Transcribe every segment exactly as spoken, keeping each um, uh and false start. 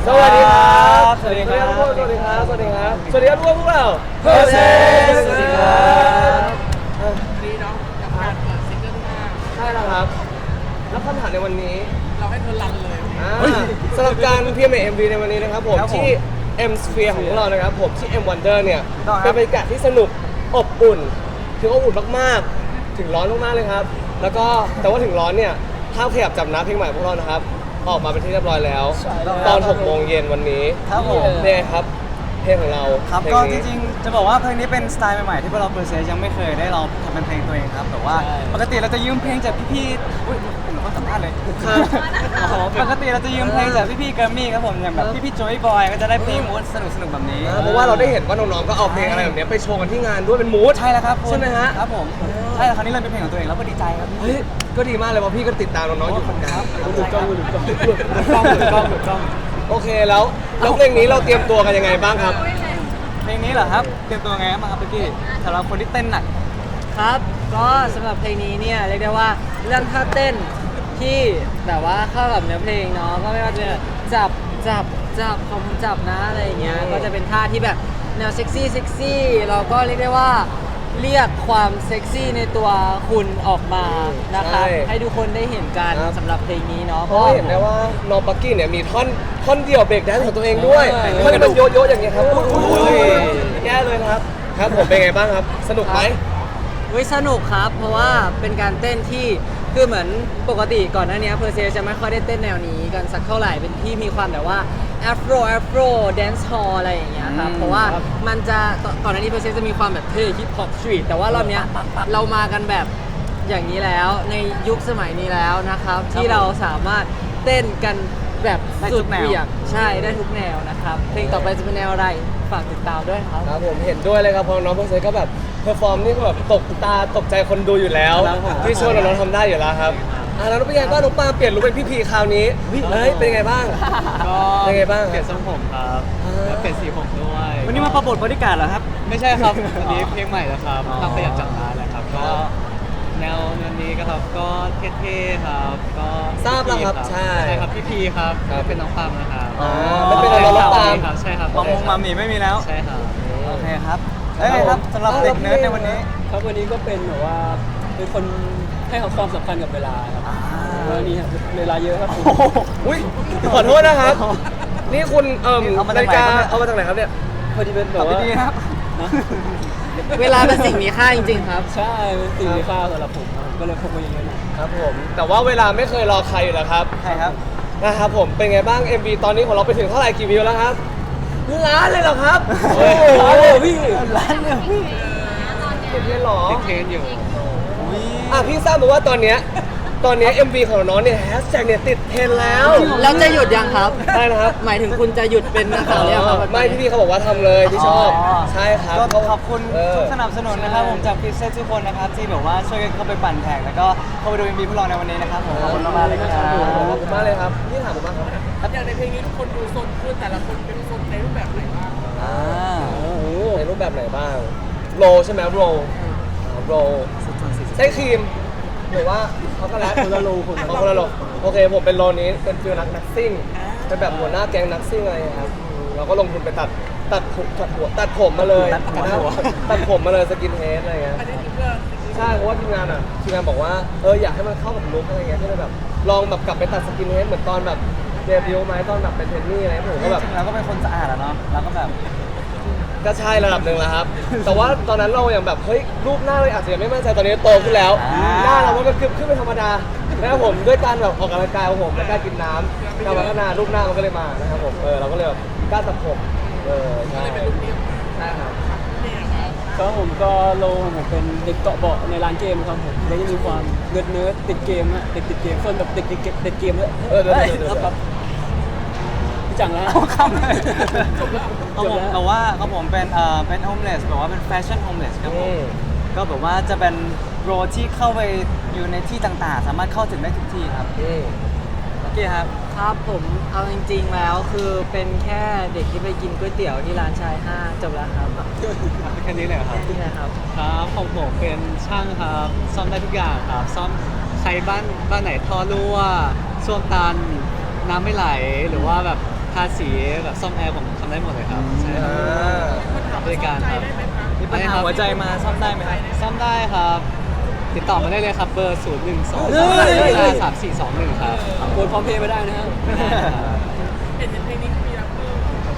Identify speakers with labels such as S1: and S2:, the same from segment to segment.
S1: สวัสดีครับสวัสดีครับทุกคนสวัสดีครับสวัสดีครับสวัสดีครับทุกคนพวกเราเพอร์เซสสวัสดีครับ
S2: ดีเนาะกับการเปิดซิงเกิลที่ห้า
S1: ใช่แล้วครับแล้วคำถามในวันนี้
S2: เราให้เธอรันเลย
S1: อ่าสำหรับการ พี เอ็ม เอ็ม วี ในวันนี้นะครับผมที่ M Sphere ของพวกเรานะครับผมที่ M Wonder เนี่ยเป็นบรรยากาศที่สนุกอบอุ่นถึงอบอุ่นมากๆถึงร้อนมากๆเลยครับแล้วก็แต่ว่าถึงร้อนเนี่ยห้ามขยับจับน้ำเพลงใหม่พวกเรานะครับออกมาเป็นที่เรียบร้อยแล้วตอนหกโมงเย็นวันนี้
S3: ครับผม
S1: เนี่ยครับเพลงของเรา
S3: ครับ
S1: เพล
S3: ก็
S1: ง
S3: จ
S1: นี้
S3: ริงๆจะบอกว่าเพลงนี้เป็นสไตล์ใหม่ๆที่พวกเราเพอร์เซสยังไม่เคยได้ลองทำเป็นเพลงตัวเองครับแต่ว่าปกติเราจะยืมเพลงจากพี่ๆอุ้ยผมก็สัมภาษณ์เลยปกติเราจะยืมเพลงจากพี่ๆแกรมมี่ครับผมอย่างแบบพี่ๆโจยบอยก็จะได้เพลงมูดสนุกๆแบบนี้
S1: อ่าเพราะว่าเราได้เห็นว่าน้องๆก็เอาเพลงอะไรแบบเนี้ยไปโชว์กันที่งานด้วยเป็นมูด
S3: ใช่แล้วครับคุณ
S1: ใช่ไหมฮะ
S3: ครับผมใช่แล้วคราวนี้เราเป็นเพลงของตัวเองแล้วก็ดีใจครับ
S1: เฮ้ยก็ดีมากเลยเพราะพี่ก็ติดตามน้องๆอยู่เหมือนกัน
S3: หลุดกล้องหลุดกล้องหลุดกล้องหลุดกล้องหลุดกล้อง
S1: โอเคแล้วแล้วเพลงนี้เราเตรียมตัวกันยังไงบ้างครับ
S3: เพลงนี้เหรอครับเตรียมตัวไงบ้างครับพี่สำหรับคนที่เต้นหนัก
S4: ครับก็สำหรับเพลงนี้เนี่ยเรียกได้ว่าเรื่องท่าเต้นที่แบบว่าเข้ากับเนื้อเพลงเนาะก็ไม่ว่าจะจับจับจับของผมจับนะอะไรอย่างเงี้ย
S1: อืม
S4: ก็จะเป็นท่าที่แบบแนวเซ็กซี่เซ็กซี่เราก็เรียกได้ว่าเรียกความเซ็กซี่ในตัวคุณออกมานะครับให้ทุกคนได้เห็นกันสำหรับเพลงนี้เนาะ
S1: เพราะว่าเห็นได้ว่าน้องปักกี้เนี่ยมีท่อนท่อนเดี่ยวเบรกแดนซ์ของตัวเองด้วยท่อนที่มันโยโย่อย่างเงี้ยครับอุ้ยแย่เลยนะครับครับผมเป็นไงบ้างครับ สนุกไหม
S4: เฮ้ยสนุกครับ เพราะว่าเป็นการเต้นที่คือเหมือนปกติก่อนหน้านี้เพอร์เซจะไม่ค่อยได้เต้นแนวนี้กันสักเท่าไหร่เป็นที่มีความแบบว่าแอฟโรแอฟโรแดนซ์ฮอลอะไรอย่างเงี้ยครับเพราะว่ามันจะก่อนหน้านี้เพอร์เซจะมีความแบบเท่ฮิปฮอปสตรีทแต่ว่ารอบเนี้ยเรามากันแบบอย่างนี้แล้วในยุคสมัยนี้แล้วนะครับที่เราสามารถเต้นกันแบบสุดเหวี่ยงใช่ได้ทุกแนวนะครับเพลงต่อไปจะเป็นแนวอะไรฝากติดตามด้วยครับ
S1: ครับผมเห็นด้วยเลยครับเพราะน้องเพอร์เซก็แบบเพอร์ฟอร์มนี่ก็แบบตกตาตกใจคนดูอยู่แล้ว
S3: ครับผม
S1: ที่โชว์น้องๆทำได้อยู่แล้วครับอ่าแล้วเป็นไงบ้างน้องปาเปลี่ยนลุคเป็นพี่พีคราวนี้เฮ้ยเป็นไงบ้าง
S5: ก็
S1: เป็นไงบ้าง
S5: เปลี่ยนทรงผมครับ
S1: อ่า
S5: แล้วเปลี่ยนสีผมด้วย
S3: วันนี้มาประบทบริการเหรอครับ
S5: ไม่ใช่ครับ วันนี้เพลงใหม่แล้วครับ
S3: อ๋อ
S5: ทำประหยัดจังร้านแหละครับ ก็แนวแนวนี้ก็ครับก็เท่ๆครับ ก็
S1: ทราบแล้วครับ
S5: พี่พี
S1: ใช่
S5: ใช่ครับพี่พีครับ
S1: ครับ
S5: เป็นน้องปามนะครับ
S3: อ๋อ
S1: ไม่เป็นไรเรารับตาม
S5: ครับใช่ครับ
S3: มามงมาหมีไม่มีแล้ว
S5: ใช่ครับ
S3: โอเคครับเอ้ยครับสำหรับเด็กเนิร์ดในวันนี้
S6: ครับวันนี้ก็เป็นแบบว่าเป็นคนให้ความสำคัญกับเวลาครับวันนี้เวลาเยอะครับผม
S1: อุ้ยขอโทษนะครับ นี่คุณเอ่ม
S3: เอามา
S1: นา
S3: จาก
S1: ฬิ
S3: ไหน
S1: กา
S3: ครับเนี่ย
S1: เอามาจากไหนครับเนี่ย
S6: พอดีเป็นแบ
S3: ขับบ
S6: ว่า
S3: ดีๆครับ
S4: เวลาเป็นสิ่งมีค่าจริงๆครับ
S6: ใช่เป็นสิ่งมีค่าสำหรับผมครับก็เลยพกมาเยอะๆหน่อย
S1: ครับผม แต่ว่าเวลาไม่เคยรอใครอยู่แล้วครับ
S3: ใช่ครับ
S1: นะครับผมเป็นไงบ้าง เอ็ม วี ตอนนี้ของเราไปถึงเท่าไหร่กี่วิวแล้วครับล้านเลยเหรอครับโอ้โห
S6: ร้านเลยพี่
S3: ร้านเนี่ยพี่
S1: ติดเทรนด์เหรอ
S5: ติดเทรนด์อยู่
S1: อ่ะพี่ทราบมาว่าตอนเนี้ยตอนเนี้ย เอ็ม วี ของน้องเนี่ยแฮชแท็กเนี่ยติดเทรนด์แล้ว
S4: แล้วจะหยุดยังครับ
S1: ใช่นะครับ
S4: หมายถึงคุณจะหยุดเป็นนักข่าวหรือยังครับ
S1: ไม่พี่พี่เขาบอกว่าทำเลยที่ชอบ
S3: อ๋อ
S1: ใช่ครับ
S3: ก็ขอบคุณ
S1: เออ
S3: ทุกสนับสนุนนะครับผมจากพิเศษทุกคนนะครับที่แบบว่าช่วยกันเข้าไปปั่นแท็กแล้วก็เข้าไปดูเอ็มวีพวกเราในวันนี้นะครับผมขอบคุณมากๆเลยครับ
S1: ขอบคุณมากเลยครับพี่ถามผมบ้างครับ
S2: อย่างในเพลงนี้ทุกคนดูโซนขึ้นแต่ละคนเป็นโซนในรูปแบบไหนบ้าง
S3: อ่า
S1: ในรูปแบบไหนบ้าง โรลใช่ไหมโรลโรลใช้ครีมหรือว่าช็อกโกแลตคนละโรลคนคนละโรลโอเคผมเป็นโรลนี้เป็นฟิลนักนักซิ่งเป็นแบบหัวหน้าแก๊งนักซิ่งอะไรอย่างเงี้ยครับอืมเราก็ลงทุนไปตัดตัดผมตัดหัวตัดผมมาเลย
S3: ตัดหัว
S1: ตัดผมมาเลยสกินเฮดอะไรเงี้ย
S2: อันนี้คือเพื่อ
S1: ใช่เพราะว่าทีมงานอ่ะทีมงานบอกว่าเอออยากให้มันเข้ากับลุคอะไรเงี้ยก็เลยแบบลองแบบกลับไปตัดสกินเฮดเหมือนตอนแบบเดบิวต์ไหมตอนแบบเป็นเทรนนี่อะไรผม
S3: จ
S1: ก็แบบ
S3: ริงๆเราก็เป็นคนสะอาดอะเนาะเราก็แบบ
S1: ก็ใช่ระดับหนึ่งแล้วครับ แต่ว่าตอนนั้นเราอย่างแบบเฮ้ยรูปหน้าเลยอาจจะยังไม่มั่นใจตอนนี้โตขึ้นแล้ว
S3: อ่า
S1: หน้าเรามันก็ขึ้นขึ้นเป็นธรรมดานะครับผมด้วยการแบบออกกำลังกายของผมและการกินน้ำการพัฒนารูปหน้ามันก็เลยมานะครับผมเออเราก็เลยแบบกล้าตัดผมเออใช่ใช่ครับ
S6: ก็ผมก็โลของผมเป็นเด็กเกาะเบาะในร้านเกมครับผมแล้วจะมีความเนิร์ดเนิร์ดติดเกมอะเด็กติดเกมส่วนแบบเด็กติดเกมติดเกมเลย
S1: เออเดี๋ยวเดี๋ยวเดี๋ยว
S6: ครับพี่จังแล้ว
S3: เอาคำเลย
S6: จบแล้ว
S3: เขาผมแต่ว่าเขาผมเป็นเอ่อเป็นโฮมเลสแบบว่าเป็นแฟชั่นโฮมเลสครับผ
S1: อื
S3: ม
S1: ม
S3: ก็แบบว่าจะเป็นโรที่เข้าไปอยู่ในที่ต่างๆ สามารถเข้าถึงได้ทุกที่ครับ
S1: อืม
S3: โอเคครับ
S4: ครับผมเอาจริงๆแล้วคือเป็นแค่เด็กที่ไปกินก๋วยเตี๋ยวที่ร้านชายห้าจบแล้วครับ
S5: แค่นี้เลยเหรอครับ
S4: นี่นะครับ
S5: ครับของผมเป็นช่างครับ ซ่อมได้ทุกอย่างครับ ซ่อมใครบ้านบ้านไหนท่อรั่วส้วมตันน้ำไม่ไหลหรือว่าแบบทาสีแบบซ่อมแอร์ผมทำได้หมดเลยครับใช่ค
S1: อ่
S5: รับ
S1: า
S5: บริการครับ
S3: มีปัญหาหัวใจมาซ่อมได้ไหมครับ
S5: ซ่อมได้ครับ ติดต่อมาได้เลยครับเบอร์ ศูนย์ หนึ่ง สอง
S3: เฮ้ย
S5: สาม สี่ สอง หนึ่งครับ
S6: กดพร้อมเพย์ไปได้นะครับ
S2: เห็นเพลงนี้มีรัปเปอร์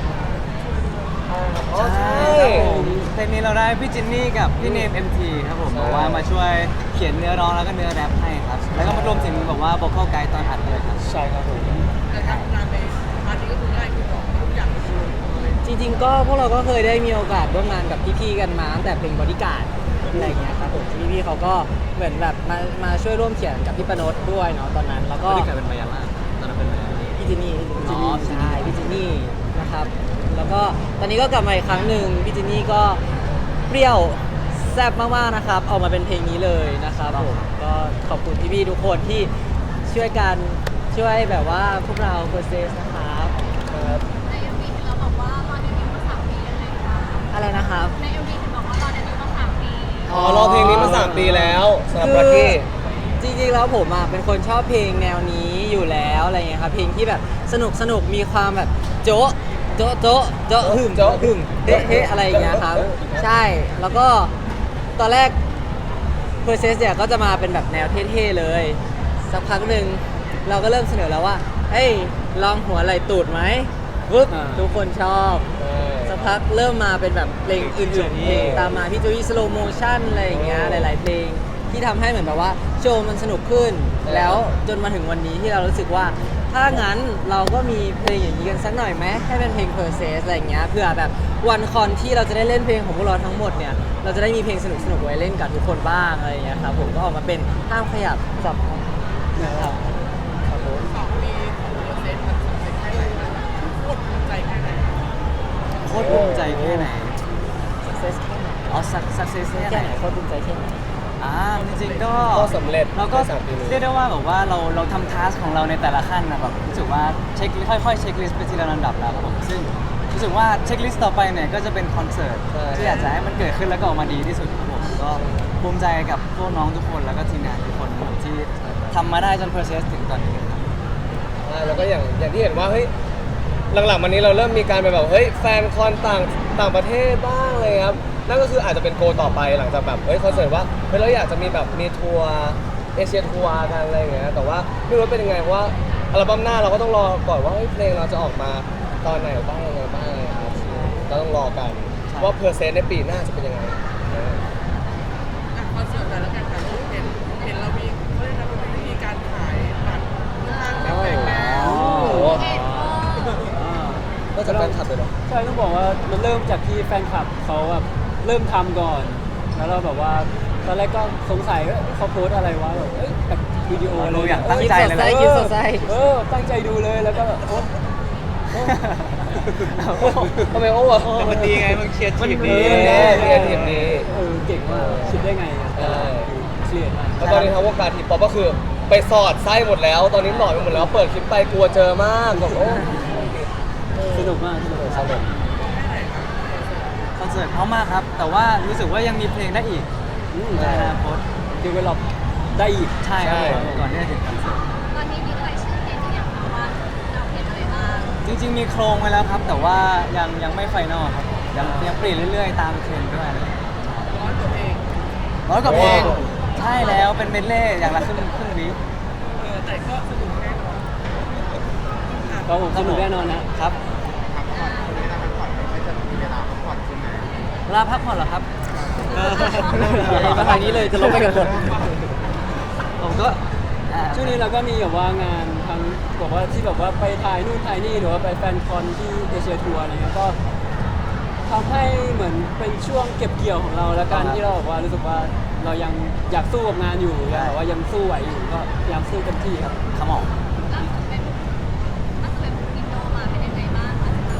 S1: อ๋อใช่
S3: เพลงนี้เราได้พี่จินนี่กับพี่เนม เอ็ม ที ครับผม
S1: ใช่
S3: บอกว่ามาช่วยเขียนเนื้อร้องแล้วก็เนื้อแรปให้ครับ แล้วก็มารวมถึงบอกว่า vocal guide ตอนอัดด้วยครับ
S6: ใช่ครับผม
S2: แต่ทำงานในพาร์ทนี้ก็คือง่ายคือบอกทุกอย่างเลย
S4: จริงๆก็พวกเราก็เคยได้มีโอกาสร่วมงานกับพี่ๆกันมาตั้งแต่เพลงบอดี้การ์ดอะไรอย่างเงี้ยครับผมที่พี่ๆเขาก็เหมือนแบบมามาช่วยร่วมเขียนกับพี่ปนดด้วยเนาะตอนนั้นแล้วก็
S3: ก็ได้กลายเป็นมายาล่าตอนนั้นเป็นมายาล่า
S4: พี่จินนี่
S3: อ๋อ
S4: ใช่พี่จินนี่นะครับ แล้วก็ตอนนี้ก็กลับมาอีกครั้งหนึ่งพี่จินนี่ก็เปรี้ยวแซ่บมากๆนะครับออกมาเป็นเพลงนี้เลยนะครับผมก็ขอบคุณพี่ๆทุกคนที่ช่วยกันช่วยแบบว่าพวกเราโปรเซสนะครับ
S7: ใน เอ็ม วี เห็นเราบอกว่ารอเดบิวต์มาสามปียังไงคะ
S4: อะไรนะครับ
S7: ใน เอ็ม วี เห็นบอกว่ารอเดบิวต์มาสามปี
S1: อ๋อรอเพลงนี้มาสามปีแล้วสำหรับรักกี้
S4: จริงๆแล้วผมอ่ะเป็นคนชอบเพลงแนวนี้อยู่แล้วอะไรเงี้ยครับเพลงที่แบบสนุกสนุกมีความแบบโจ๊ะโจ๊ะโจ๊ะโจ๊ะหึม
S1: โจ๊ะ
S4: หึมเฮ้เฮ้อะไรอย่างเงี้ยครับใช่แล้วก็ตอนแรก p e r s e s เนี่ยก็จะมาเป็นแบบแนวเท่ๆเลยสักพักหนึ่งเราก็เริ่มเสนอแล้วว่าเฮ้ยลองหัวไหล่ตูดไหมปึ๊บ
S6: อ่า
S4: ทุกคนชอบ สักพักเริ่มมาเป็นแบบเพลงอื่นๆเพลงตามมาพี่โจยี่สโลโมชั่นอะไรอย่างเงี้ยหลาย ๆ เพลงที่ทำให้เหมือนแบบว่าโชว์มันสนุกขึ้น แล้วจนมาถึงวันนี้ที่เรารู้สึกว่า ถ้างั้นเราก็มีเพลงอย่างนี้กันสักหน่อยไหมให้เป็นเพลง p e r s e s อะไรอย่างเงี้ยเพื่อแบบวันคอนที่เราจะได้เล่นเพลงของพวกเราทั้งหมดเนี่ยเราจะได้มีเพลงสนุกๆไว้เล่นกับทุกคนบ้างอะไรอย่างเงี้ยครับผมก็ออกมาเป็นห้ามขยับสับนะครับครับผม
S2: สองปีของเปอร์เซ็นต์มันสำเร็จแค่ไหนนะโคตรภูมิใจแค่ไหน
S3: โคตรภูมิใจแค่ไหน
S4: success แค่ไหน
S3: อ๋อ success แค่
S4: แค่
S3: ไห
S4: ไห
S3: น
S4: นโคตรภูมิใจแค่ไหน
S3: อ่าจริงๆก็
S1: ก็สำเร็จ
S3: เราก็
S1: ในสามปีนี้
S3: เรียกได้ว่าแบบว่าเราเราทำทัสของเราในแต่ละขั้นนะแบบรู้สึกว่าเช็คค่อยๆเช็คลิสต์ไปทีละลำดับแล้วครับผมซึ่งรู้สึกว่าเช็คลิสต์ต่อไปเนี่ยก็จะเป็นคอนเสิร์ต
S1: ใช่
S3: ที่อยากจะให้มันเกิดขึ้นแล้วก็ออกมาดีที่สุดครับผมก็ภูมิใจกับพวกน้องทุกคนแล้วก็ทีมงานทุกคนครับที่ทำมาได้จน process ถึงตอนนี้ครับ
S1: ใช่แล้วก็อย่างอย่างที่เห็นว่าเฮ้ยหลังๆมานี้เราเริ่มมีการไปแบบเฮ้ยแฟนคอนต่างต่างประเทศบ้างเลยครับนั่นก็คืออาจจะเป็นโกต่อไปหลังจากแบบเฮ้ยคอนเสิร์ตว่าเฮ้ยเราอยากจะมีแบบมีทัวร์เอเชียทัวร์กันอะไรอย่างเงี้ยแต่ว่าไม่รู้ว่าเป็นยังไงเพราะว่าอัลบั้มหน้าเราก็ต้องรอก่อนว่าเฮ้ยเพลงเราจะออกมาตอนไหนบ้างยังไงบ้างครับก็ต้องรอกันว่าเพอร์เซ็นต์ในปีหน้าจะเป็นยังไง
S2: อ่ะคอนเสิร์ตแต่ละการถ่ายรูปเห็นเห็นเรามีเขาเรียกนะมันเป็นวิธีการถ่ายบัตรค่อนข้างแบบแปลก
S1: โอ้
S2: ๆ
S1: โห
S7: เอ็ดโม
S6: อ่า
S1: ก็จะแฟนคลับเลยเนาะ
S6: ใช่ต้องบอกว่ามันเริ่มจากที่แฟนคลับเขาแบบเริ่มทำก่อน แล้วเราแบบว่าตอนแรกก็สงสัยว่าเขาโพสต์อะไรวะแบบเอ้ยแบบวิดีโออะไร
S3: เราอยากตั้ง
S4: คิด
S3: ใจ
S4: สด
S3: เลย
S4: ใส
S3: นะ
S4: คิดสดใส
S6: เออตั้งใจดูเลยแล้วก็แบบโอ้โอ้
S1: ทำไมโอ้อะ
S5: แต่มันดีไงมันเคลียร์ทีม
S1: เอ
S5: ดี
S1: อแน่เรียนทีมนี้
S6: เออเก่งมากคิดได้ไงอะ
S1: ใช่
S6: เครียดมาก
S1: แล้วตอนนี้ทั้งวงการทีป๊อปก็คือไปสอดไส้หมดแล้ว ตอนนี้หลอดไปหมดแล้ว เปิดคลิปไปกลัวเจอมากแบบโอ้
S6: สนุกมากสนุก
S1: สนุก
S3: คอนเสิร์ตเพราะมากครับ แต่ว่ารู้สึกว่ายังมีเพลงได้อีก
S6: อืม
S3: ในอนาคต
S6: ดีเวลลอปได้อีก
S3: ใช่ครับผมก่อนที่จะถึงคอนเสิร์ต
S7: ตอนนี้มีรายชื่อเพลงหรือยังคะว่าเราเพลงอะไรบ้าง
S3: จริงๆมีโครงไว้แล้วครับ แต่ว่ายังยังไม่ไฟนอลครับผมยังยังเปลี่ยนเรื่อยๆ ตามเทรนด์ด้วย
S2: ร้อยกว่าเพลง
S3: ร้อยกว่าเพลงใช่แล้วเป็นเมดเล่อย่างละครึ่งครึ่งวิ
S2: เออแต่ก็สนุกแน่นอน
S6: ก็ผมสนุกแน่นอนนะครับ
S3: เวลาพักผ่อนเหรอครับ
S4: มาทางนี้เลยจะลงไปกันหมด
S3: ผมก็อ่า
S6: ช่วงนี้เราก็มีแบบว่างานทั้งบอกว่าที่แบบว่าไปถ่ายนู่นถ่ายนี่หรือว่าไปแฟนคอนที่เอเชียทัวร์อะไรเงี้ยก็ทำให้เหมือนเป็นช่วงเก็บเกี่ยวของเราแล้วกันที่เราบอกว่ารู้สึกว่าเรายังอยากสู้กับงานอยู่ยังแบบว่ายังสู้ไหวอยู่ก็พยายามสู้เต็มที่ครับ
S3: ขมอง
S7: ล่าสุดเป็นล่าสุดเป็นอินโดมาเป็นยังไงบ้างคะ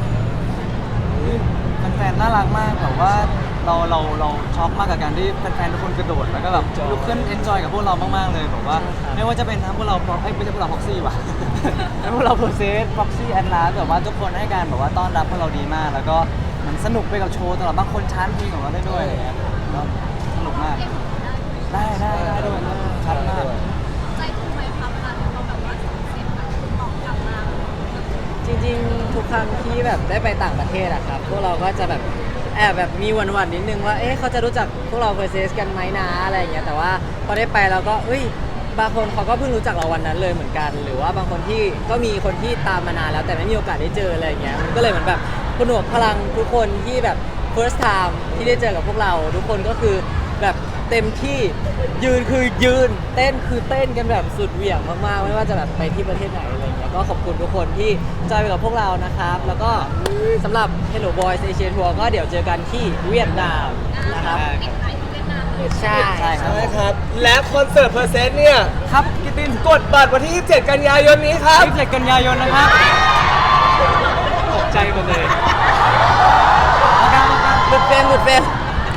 S3: แฟนๆน่ารักมากแบบว่าเราเราเราช็อกมากกับการที่แฟนๆทุกคนกระโดดแล้วก็แบบลุกขึ้นเอนจอยกับพวกเรามากๆเลยแบบว่าไม่ว่าจะเป็นทั้งพวกเราพร็อพเอ้ยไม่ใช่พวกเราพ็อกซี่ว่ะ ทั้งพวกเราโปรเซสพ็อกซี่แอนลาแบบว่าทุกคนให้การแบบว่าต้อนรับพวกเราดีมาก แล้วก็เหมันสนุกไปกับโชว์ตลอดบางคนชาร์จเพลงของเราได้ด้วยอะไรเงี้ยก็สนุกมาก
S7: เรียกของเราได้ไหม
S3: ได้ได้ได้ด้วยครับชัดมาก
S7: ใจฟูไหมคะเวลาที่เราแบบว่าส่งเสียงแบบตอบกลับมา
S4: จริงๆ ทุกครั้งครั้งที่แบบได้ไปต่างประเทศอะครับพวกเราก็จะแบบแอบแบบมีหวั่นๆนิดนึงว่าเอ๊ะเขาจะรู้จักพวกเราเพอร์เซสกันไหมนะอะไรอย่างเงี้ยแต่ว่าพอได้ไปเราก็เอ้ยบางคนเขาก็เพิ่งรู้จักเราวันนั้นเลยเหมือนกัน หรือว่าบางคนที่ก็มีคนที่ตามมานานแล้วแต่ไม่มีโอกาสได้เจออะไรอย่างเงี้ยมันก็เลยเหมือนแบบผนวกพลังทุกคนที่แบบ first time ที่ได้เจอกับพวกเราทุกคนก็คือแบบเต็มที่ยืนคือยืนเต้นคือเต้นกันแบบสุดเหวี่ยงมากๆไม่ว่าจะแบบไปที่ประเทศไหนอะไรอย่างเงี้ยก็ขอบคุณทุกคนที่จอยไปกับพวกเรานะครับแล้วก็สำหรับ Hello Boys Asia Tour ก็เดี๋ยวเจอกันที่เวียดนามนะครับ
S7: เด็กไทยที่เวียดนามเลย
S4: ใช่
S3: ใช่ครับ
S1: ใช่ครับ และคอนเสิร์ตเพอร์เซนต์เนี่ย
S3: ครับกิตติน
S1: กดบัตรวันที่ยี่สิบเจ็ดกันยายนนี้ครับ
S3: ยี่สิบเจ็ดกันยายนนะครับ
S5: ตกใจหมดเลย
S4: หลุดเฟรมหลุดเฟรม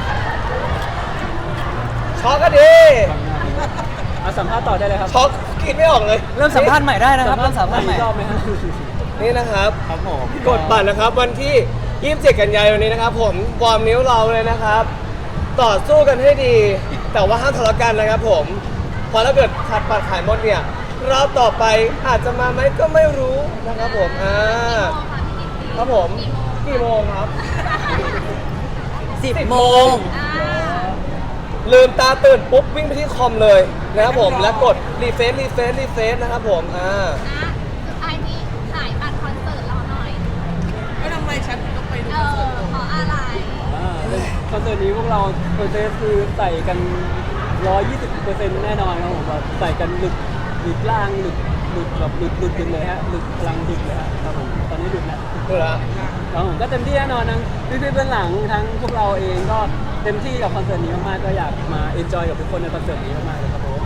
S1: ช็อกก็ดี
S6: เอาสัมภาษณ์ต่อได้เลยครับ
S1: ช็อกกรีดไม่ออกเลย
S3: เริ่มสัมภาษณ์ใหม่ได้นะครับเริ่มสัมภาษณ์ใหม่
S6: อีกรอบไหมฮะ
S1: นี่นะครับ
S5: ครับผม
S1: กดบัตรนะครับวันที่ยี่สิบเจ็ดกันยายนนี้นะครับผมวอร์มนิ้วเราเลยนะครับ ต่อสู้กันให้ดี แต่ว่าห้ามทะเลาะกันนะครับผมเพราะถ้าเกิดขาดบัตรขายหมดเนี่ยรอบต่อไปอาจจะมาไหมก็ไม่รู้นะครับผมอ่าครับผมกี่โมงครับ
S4: สิบโมง
S7: อ่า
S1: ลืมตาตื่นปุ๊บวิ่งไปที่คอมเลยนะครับผมแล้วกดรีเฟซรีเฟซรีเฟซนะครับผมอ่า
S7: นะสุดท้ายนี้ขายบัตรคอนเสิร์ตเราหน่อย
S2: แล้วทำไมฉันถึงต้องไปดู
S7: เอ
S2: คอนเสิร์ต
S7: อเพราะอะไร
S6: อ่าคอนเสิร์ตนี้พวกเราเพอร์เซสคือใส่กัน ร้อยยี่สิบเปอร์เซ็นต์ แน่นอนครับผมแบบใส่กันหลุดหลุดล่างหลุดหลุดแบบหลุดหลุดกันเลยฮะหลุดพลังหลุดเลยฮะครับผมตอนนี้หลุดแล้ว
S1: ดูแลว
S6: ครับผมก็เต็มที่แน่นอนทั้งพี่ๆเบื้องหลังทั้งพวกเราเองก็เต็มที่กับคอนเสิร์ตนี้มากๆก็อยากมาเอนจอยกับทุกคนในคอนเสิร์ตนี้มากๆเลยครับผม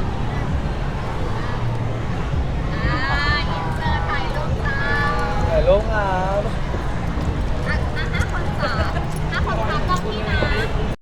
S7: อ่าอินเสิร์ตถ่ายรูปจ้า
S1: ถ่ายรูปครับ